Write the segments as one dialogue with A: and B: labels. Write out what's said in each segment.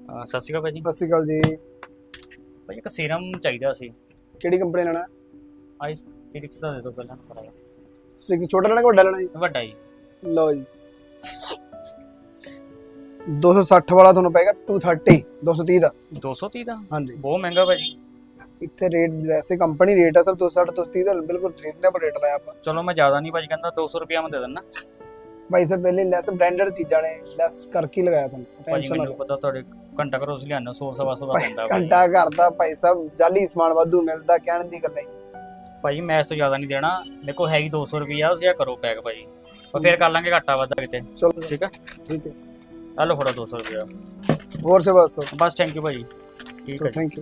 A: ਸਤਿ ਸ਼੍ਰੀ ਅਕਾਲ ਭਾਜੀ।
B: ਸਤਿ ਸ਼੍ਰੀ ਅਕਾਲ ਜੀ।
A: ਭਾਜੀ ਇੱਕ ਸੀਰਮ ਚਾਹੀਦਾ ਸੀ।
B: ਕਿਹੜੀ ਕੰਪਨੀ ਲੈਣਾ?
A: ਆਈਸ ਫਿਲਿਕਸ ਦਾ ਦੇ ਦਿਓ ਪਹਿਲਾਂ ਕਰਾਇਆ।
B: ਸਟ੍ਰਿਕਸ ਛੋਟਾ ਲੈਣਾ ਕਿ ਵੱਡਾ ਲੈਣਾ ਜੀ?
A: ਵੱਡਾ ਜੀ।
B: ਲਓ ਜੀ 260 ਵਾਲਾ ਤੁਹਾਨੂੰ ਪਏਗਾ 230 230 ਦਾ।
A: 230 ਦਾ
B: ਹਾਂਜੀ
A: ਬਹੁਤ ਮਹਿੰਗਾ ਭਾਜੀ।
B: ਇੱਥੇ ਰੇਟ ਵੈਸੇ ਕੰਪਨੀ ਰੇਟ ਆ ਸਰ 260 230 ਦਾ ਬਿਲਕੁਲ ਰੀਜ਼ਨੇਬਲ ਰੇਟ ਲਾਇਆ ਆਪਾਂ।
A: ਚਲੋ ਮੈਂ ਜ਼ਿਆਦਾ ਨਹੀਂ ਭਾਜੀ ਕਹਿੰਦਾ 200 ਰੁਪਿਆ ਮੈਂ ਦੇ ਦਿੰਦਾ
B: ਭਾਈ ਸਾਹਿਬ ਪਹਿਲੇ ਲੈਸ ਬ੍ਰਾਂਡਡ ਚੀਜ਼ਾਂ ਨੇ ਲੈਸ ਕਰਕੇ ਲਗਾਇਆ ਤੁਹਾਨੂੰ
A: ਭਾਜੀ।
B: ਟੈਨਸ਼ਨ ਨਾ
A: ਮੈਨੂੰ ਪਤਾ ਤੁਹਾਡੇ ਘੰਟਾ ਘਰੋਂ ਅਸੀਂ ਲਿਆਉਂਦੇ 100 ਸਵਾ 100 ਦਾ ਪੈਂਦਾ ਭਾਜੀ।
B: ਘੰਟਾ ਘਰ ਦਾ ਭਾਈ ਸਾਹਿਬ ਜਾਲੀ ਸਮਾਨ ਵਾਧੂ ਮਿਲਦਾ ਕਹਿਣ ਦੀ ਗੱਲ ਹੈ
A: ਭਾਜੀ ਮੈਂ ਇਸ ਤੋਂ ਜ਼ਿਆਦਾ ਨਹੀਂ ਦੇਣਾ। ਮੇਰੇ ਕੋਲ ਹੈਗੀ 200 ਰੁਪਿਆ ਤੁਸੀਂ ਕਰੋ ਪੈਕ ਭਾਜੀ और फिर कर लांगे घाटा वादा किते।
B: चलो
A: ठीक है
B: ठीक है
A: हेलो फड़ो 200 रुपया
B: और से बस
A: बस थैंक यू भाजी। ठीक है
B: थैंक यू।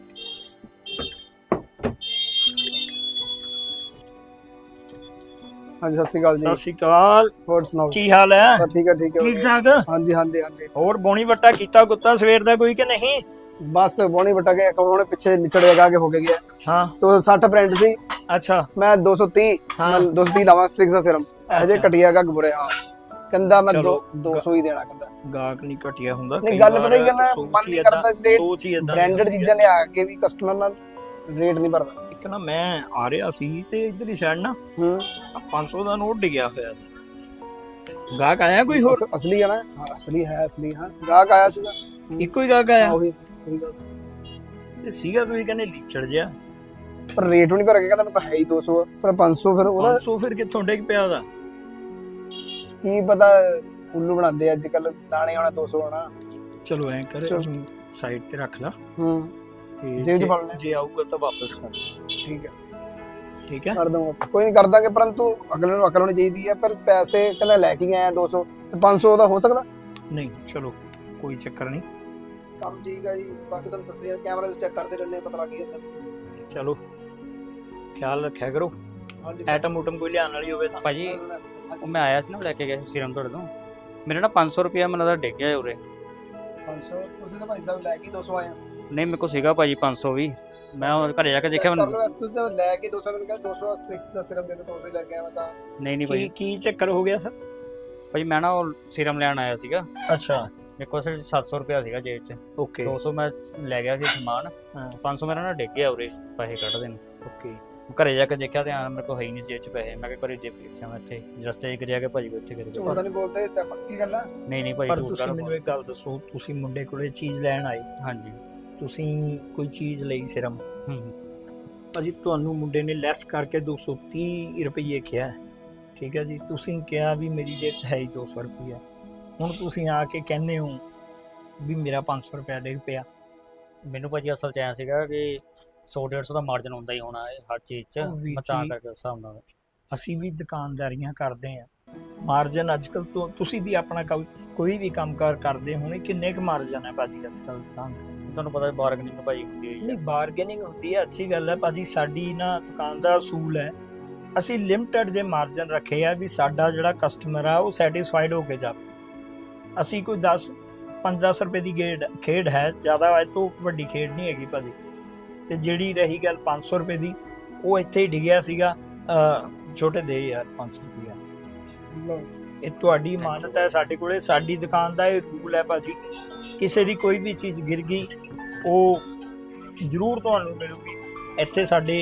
B: हाँ जी सत श्री अकाल जी।
C: सत श्री अकाल।
B: और सुनाओ
C: की हाल है?
B: ठीक है
C: ठीक
B: ठीक
C: ठाक।
B: हाँ जी हाँ जी हाँ जी।
C: और बोनी बट्टा कीता कुत्ता सवेर दा कोई के नहीं?
B: बस बोनी बटा के उन्होंने पीछे लिचड़ लगा के हो गया।
C: हाँ
B: तो 60 ब्रांड सी
C: अच्छा
B: मैं 230
C: हाँ।
B: मैं 230 लावा स्ट्रिक्स दा सिरम अजे घटिया का बुरे हाल कंदा मैं
C: चलो,
B: 200 ही देना कंदा
C: गाहक नहीं घटिया हुंदा।
B: नहीं गल पता ही गल मन नहीं करता रेट
C: सोच ही इदां
B: ब्रांडेड चीਜ਼ਾਂ ਲਿਆ ਕੇ ਵੀ ਕਸਟਮਰ ਨਾਲ ਰੇਟ ਨਹੀਂ ਭਰਦਾ।
C: ਇੱਕ ਨਾ ਮੈਂ ਆ ਰਿਹਾ ਸੀ ਤੇ ਇਧਰ ਹੀ ਸਾਈਡ ਨਾ 500 ਦਾ ਨੋਟ ਡਿੱਗਿਆ ਹੋਇਆ ਸੀ। ਗਾਹਕ ਆਇਆ ਕੋਈ ਹੋਰ?
B: असली है ना? हाँ असली है असली। हाँ गाहक आया सीगा
C: ਇੱਕੋ ਹੀ ਗਾਹਕ ਆਇਆ
B: ਉਹੀ ਗੱਲ।
C: ਤੇ ਸੀਗਾ ਤੁਸੀਂ ਕਹਿੰਦੇ ਲੀਚੜ ਜਿਹਾ।
B: ਪਰ ਰੇਟ ਵੀ ਨਹੀਂ ਭਰ ਕੇ ਕਹਿੰਦਾ ਮੇਰੇ ਕੋਲ ਹੈ ਹੀ 200 ਪਰ 500 ਫਿਰ ਉਹਦਾ
C: 500 ਫਿਰ ਕਿੱਥੋਂ ਡਿੱਗ ਪਿਆ ਉਹਦਾ?
B: ਕੀ ਪਤਾ ਉੱਲੂ ਬਣਾਉਂਦੇ ਅੱਜ ਕੱਲ ਦਾਣੇ ਹੋਣਾ 200 ਹੋਣਾ।
C: ਚਲੋ ਐ ਕਰ
B: ਚਲੋ।
C: ਸਾਈਡ ਤੇ ਰੱਖ ਲਾ ਤੇ
B: ਜੇਬ 'ਚ ਫੜ ਲੈ।
C: ਜੇ ਆਊਗਾ ਤਾਂ ਵਾਪਸ ਕਰ
B: ਠੀਕ ਹੈ
C: ਠੀਕ ਹੈ।
B: ਕਰ ਦੂੰਗਾ ਕੋਈ ਨਹੀਂ ਕਰ ਦਾਂਗੇ ਪਰੰਤੂ ਅਗਲੇ ਨੂੰ ਅਕਲ ਹੋਣੀ ਚਾਹੀਦੀ ਹੈ। ਪਰ ਪੈਸੇ ਕਹਿੰਦਾ ਲੈ ਕੇ ਆਇਆ 200 ਤੇ 500 ਦਾ ਹੋ ਸਕਦਾ
C: ਨਹੀਂ ਚਲੋ ਕੋਈ ਚੱਕਰ ਨਹੀਂ।
B: ਕੰਮ ਠੀਕ ਹੈ ਜੀ। ਬਾਕੀ ਤੁਹਾਨੂੰ ਦੱਸਿਆ ਕੈਮਰਾ ਤੇ ਚੈੱਕ ਕਰਦੇ ਰਹਿੰਦੇ ਪਤਾ ਲੱਗ ਜਾਂਦਾ।
C: ਚਲੋ ਖਿਆਲ ਰੱਖਿਆ ਕਰੋ।
B: ਹਾਂਜੀ
C: ਐਟਮ ਉਟਮ ਕੋਈ ਲਿਆਉਣ ਵਾਲੀ ਹੋਵੇ ਤਾਂ।
A: ਭਾਜੀ ਉਹ ਮੈਂ ਆਇਆ ਸੀ ਨਾ ਲੈ ਕੇ ਗਿਆ ਸੀ ਸੀਰਮ ਤੁਹਾਡੇ ਤੋਂ। ਮੇਰੇ ਨਾਲ 500 ਰੁਪਿਆ ਮੈਨੂੰ ਲੱਗਦਾ ਡਿੱਗ ਗਿਆ ਉਰੇ।
B: 500 ਤੁਸੀਂ ਤਾਂ ਭਾਈ ਸਾਹਿਬ ਲੈ ਕੇ 200 ਆਏ
A: ਨਹੀਂ ਮੇਰੇ ਕੋਲ ਸੀਗਾ ਭਾਜੀ 500 ਵੀ। ਮੈਂ ਉਹ ਘਰੇ ਜਾ ਕੇ ਦੇਖਿਆ
B: ਕਰ
A: ਮੈਨੂੰ
B: ਲਓ ਵੈਸੇ ਤੁਸੀਂ ਤਾਂ ਲੈ ਕੇ 200 ਮੈਨੂੰ ਕਹਿੰਦਾ 200 ਸਟ੍ਰਿਕਸ ਦਾ ਸਿਰਮ ਦੇ ਦੋ 200 ਹੀ ਲੈ ਕੇ ਆਇਆ ਮੈਂ ਤਾਂ।
A: ਨਹੀਂ
C: ਕੀ
A: ਭਾਜੀ।
C: ਕੀ ਚੱਕਰ ਹੋ ਗਿਆ ਸਰ?
A: ਭਾਜੀ ਮੈਂ ਨਾ ਉਹ ਸੀਰਮ ਲੈਣ ਆਇਆ ਸੀਗਾ।
C: ਅੱਛਾ
A: ਮੇਰੇ ਕੋਲ ਸਿਰਫ 700 ਰੁਪਿਆ ਸੀਗਾ ਜੇਬ 'ਚ।
C: ਓਕੇ
A: 200 ਮੈਂ ਲੈ ਗਿਆ ਸੀ ਸਮਾਨ।
C: ਹਾਂ
A: 500 ਮੇਰਾ ਨਾ ਡਿੱਗ ਗਿਆ ਉਰੇ ਪੈਸੇ ਕੱਢਦੇ ਨੇ।
C: ਓਕੇ
A: ਘਰੇ ਜਾ ਕੇ ਦੇਖਿਆ ਤੇ ਮੇਰੇ ਕੋਲ ਹੈ ਹੀ ਨਹੀਂ ਜੇਬ 'ਚ ਪੈਸੇ। ਮੈਂ ਕਿਹਾ ਘਰੇ ਜੇਬ ਦੇਖਿਆ ਮੈਂ ਇੱਥੇ ਰਸਤੇ 'ਚ ਗਿਰਿਆ ਕਿ ਭਾਜੀ ਕੋ ਇੱਥੇ ਗਿਰ
B: ਝੂਠ
A: ਗਿਆ।
B: ਤਾਂ ਨਹੀਂ ਬੋਲਦੇ ਤੇ ਪੱਕੀ ਗੱਲ ਆ।
A: ਨਹੀਂ ਭਾਜੀ
C: ਪਰ
A: ਝੂਠ
C: ਤੁਸੀਂ
A: ਕਰ।
C: ਮੈਨੂੰ ਇੱਕ ਗੱਲ ਦੱਸੋ, ਤੁਸੀਂ ਮੁੰਡੇ ਕੋਲੇ ਚੀਜ਼ ਲੈਣ ਆਏ,
A: ਹਾਂਜੀ
C: ਤੁਸੀਂ ਕੋਈ ਚੀਜ਼ ਲਈ ਸਿਰਮ,
A: ਹੂੰ
C: ਭਾਜੀ ਤੁਹਾਨੂੰ ਮੁੰਡੇ ਨੇ ਲੈਸ ਕਰਕੇ 230 ਰੁਪਏ ਕਿਹਾ, ਠੀਕ ਹੈ ਜੀ। ਤੁਸੀਂ ਕਿਹਾ ਵੀ ਮੇਰੀ ਜੇਬ 'ਚ ਹੈ ਹੀ 200 ਰੁਪਇਆ। ਹੁਣ ਤੁਸੀਂ ਆ ਕੇ ਕਹਿੰਦੇ ਹੋ ਵੀ ਮੇਰਾ 500 ਰੁਪਇਆ ਡਿੱਗ ਪਿਆ।
A: ਮੈਨੂੰ ਭਾਜੀ ਅਸਲ 'ਚ ਐਂ ਸੀਗਾ ਕਿ 100-150 ਦਾ ਮਾਰਜਨ ਹੁੰਦਾ ਹੀ ਹੋਣਾ ਹੈ ਹਰ ਚੀਜ਼ 'ਚ।
C: ਉਹ ਵੀ
A: ਮੈਂ ਤਾਂ
C: ਜੀ।
A: ਕਰਕੇ ਉਸ ਹਿਸਾਬ ਨਾਲ।
C: ਅਸੀਂ ਵੀ ਦੁਕਾਨਦਾਰੀਆਂ ਕਰਦੇ ਹਾਂ, ਮਾਰਜਨ ਅੱਜ ਕੱਲ੍ਹ ਤੋਂ ਤੁਸੀਂ ਵੀ ਆਪਣਾ ਕੋਈ ਵੀ ਕੰਮਕਾਰ ਕਰਦੇ ਹੋਣੇ, ਕਿੰਨੇ ਕੁ ਮਾਰਜਨ ਹੈ ਭਾਜੀ ਅੱਜ ਕੱਲ੍ਹ ਦੁਕਾਨ ਦਾ?
A: ਤੁਹਾਨੂੰ ਪਤਾ ਬਾਰਗਨਿੰਗ ਭਾਜੀ ਹੁੰਦੀ ਹੋਈ
C: ਨਹੀਂ ਬਾਰਗੇਨਿੰਗ ਹੁੰਦੀ ਹੈ, ਅੱਛੀ ਗੱਲ ਹੈ ਭਾਜੀ। ਸਾਡੀ ਨਾ ਦੁਕਾਨ ਦਾ ਅਸੂਲ ਹੈ, ਅਸੀਂ ਲਿਮਟਿਡ ਜੇ ਮਾਰਜਨ ਰੱਖੇ ਆ ਵੀ ਸਾਡਾ ਜਿਹੜਾ ਕਸਟਮਰ ਆ ਉਹ ਸੈਟੀਸਫਾਈਡ ਹੋ ਕੇ ਜਾਵੇ। ਅਸੀਂ ਕੋਈ 5-10 ਰੁਪਏ ਦੀ ਖੇਡ ਹੈ, ਜ਼ਿਆਦਾ ਇਹ ਤੋਂ ਵੱਡੀ ਖੇਡ ਨਹੀਂ ਹੈਗੀ ਭਾਜੀ। ਤੇ ਜਿਹੜੀ ਰਹੀ ਗੱਲ 500 ਰੁਪਏ ਦੀ, ਉਹ ਇੱਥੇ ਹੀ ਡਿੱਗਿਆ ਸੀਗਾ। ਛੋਟੇ ਦੇ ਯਾਰ 500 ਰੁਪਇਆ, ਇਹ ਤੁਹਾਡੀ ਇਮਾਨਤ ਹੈ ਸਾਡੇ ਕੋਲੇ। ਸਾਡੀ ਦੁਕਾਨ ਦਾ ਇਹ ਰੂਲ ਹੈ ਭਾਜੀ, ਕਿਸੇ ਦੀ ਕੋਈ ਵੀ ਚੀਜ਼ ਗਿਰ ਗਈ ਉਹ ਜ਼ਰੂਰ ਤੁਹਾਨੂੰ ਮਿਲੂਗੀ। ਇੱਥੇ ਸਾਡੇ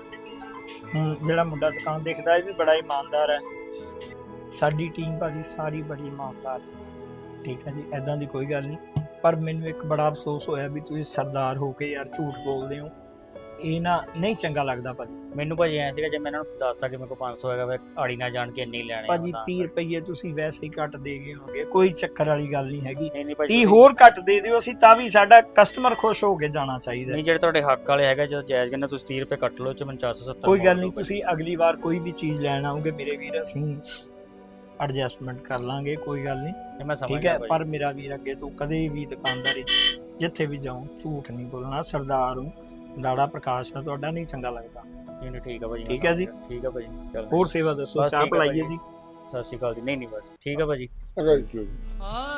C: ਜਿਹੜਾ ਮੁੰਡਾ ਦੁਕਾਨ ਦੇਖਦਾ ਇਹ ਵੀ ਬੜਾ ਇਮਾਨਦਾਰ ਹੈ। ਸਾਡੀ ਟੀਮ ਭਾਜੀ ਸਾਰੀ ਬੜੀ ਇਮਾਨਦਾਰ ਹੈ, ਠੀਕ ਹੈ ਜੀ। ਐਦਾਂ ਦੀ ਕੋਈ ਗੱਲ ਨਹੀਂ। ਪਰ ਮੈਨੂੰ ਇੱਕ ਬੜਾ ਅਫਸੋਸ ਹੋਇਆ ਵੀ ਤੁਸੀਂ ਸਰਦਾਰ ਹੋ ਕੇ ਯਾਰ ਝੂਠ ਬੋਲਦੇ ਹੋ, ਇਹ ਨਾ ਨਹੀਂ ਚੰਗਾ ਲੱਗਦਾ ਭਾਜੀ।
A: ਮੈਨੂੰ ਭਾਜੀ ਐਂ ਸੀਗਾ ਜੇ ਮੈਂ ਇਹਨਾਂ ਨੂੰ ਦੱਸਤਾ ਕਿ ਮੇਰੇ ਕੋਲ 500 ਹੈਗਾ ਫਿਰ ਆੜੀ ਨਾ ਜਾਣ ਕੇ ਇੰਨੀ ਲੈਣੇ
C: ਭਾਜੀ 30 ਰੁਪਏ ਤੁਸੀਂ ਵੈਸੇ ਹੀ ਘੱਟ ਦੇ ਗਏ ਹੋਗੇ, ਕੋਈ ਚੱਕਰ ਵਾਲੀ ਗੱਲ ਨਹੀਂ ਹੈਗੀ।
A: ਨਹੀਂ
C: 30 ਹੋਰ ਘੱਟ ਦੇ ਦਿਓ, ਅਸੀਂ ਤਾਂ ਵੀ ਸਾਡਾ ਕਸਟਮਰ ਖੁਸ਼ ਹੋ ਕੇ ਜਾਣਾ ਚਾਹੀਦਾ।
A: ਨਹੀਂ ਜਿਹੜੇ ਤੁਹਾਡੇ ਹੱਕ ਵਾਲੇ ਹੈਗਾ ਜਦੋਂ ਜਾਇਜ਼ ਕਹਿੰਦੇ ਤੁਸੀਂ 30 ਰੁਪਏ ਕੱਟ ਲਓ ਚ ਮੈਨੂੰ 470
C: ਕੋਈ ਗੱਲ ਨਹੀਂ, ਤੁਸੀਂ ਅਗਲੀ ਵਾਰ ਕੋਈ ਵੀ ਚੀਜ਼ ਲੈਣ ਆਓਗੇ ਮੇਰੇ ਵੀਰ, ਅਸੀਂ ਐਡਜਸਟਮੈਂਟ ਕਰ ਲਾਂਗੇ, ਕੋਈ ਗੱਲ ਨਹੀਂ,
A: ਮੈਂ ਸਮਝ
C: ਠੀਕ
A: ਗਿਆ
C: ਹੈ। ਪਰ ਮੇਰਾ ਵੀਰ ਅੱਗੇ ਤੋਂ ਕਦੇ ਵੀ ਦੁਕਾਨਦਾਰੀ ਜਿੱਥੇ ਵੀ ਜਾਉਂ ਝੂਠ ਨਹੀਂ ਬੋਲਣਾ। ਸਰਦਾਰ ਹੂੰ, ਦਾੜਾ ਪ੍ਰਕਾਸ਼ ਹੈ ਤੁਹਾਡਾ, ਨਹੀਂ ਚੰਗਾ ਲੱਗਦਾ।
A: ਨਹੀਂ ਠੀਕ ਹੈ ਭਾਜੀ।
C: ਠੀਕ ਹੈ ਜੀ।
A: ਠੀਕ ਹੈ ਭਾਜੀ। ਚਲੋ
C: ਹੋਰ ਸੇਵਾ ਦੱਸੋ,
A: ਬਸ
C: ਚਾਹ
A: ਠੀਕ ਹੈ
C: ਪਿਲਾਈਏ
A: ਭਾਜੀ।
C: ਜੀ।
A: ਸਤਿ ਸ਼੍ਰੀ ਅਕਾਲ ਜੀ। ਨਹੀਂ ਬਸ ਠੀਕ ਹੈ ਭਾਜੀ।
B: ਅਗਰ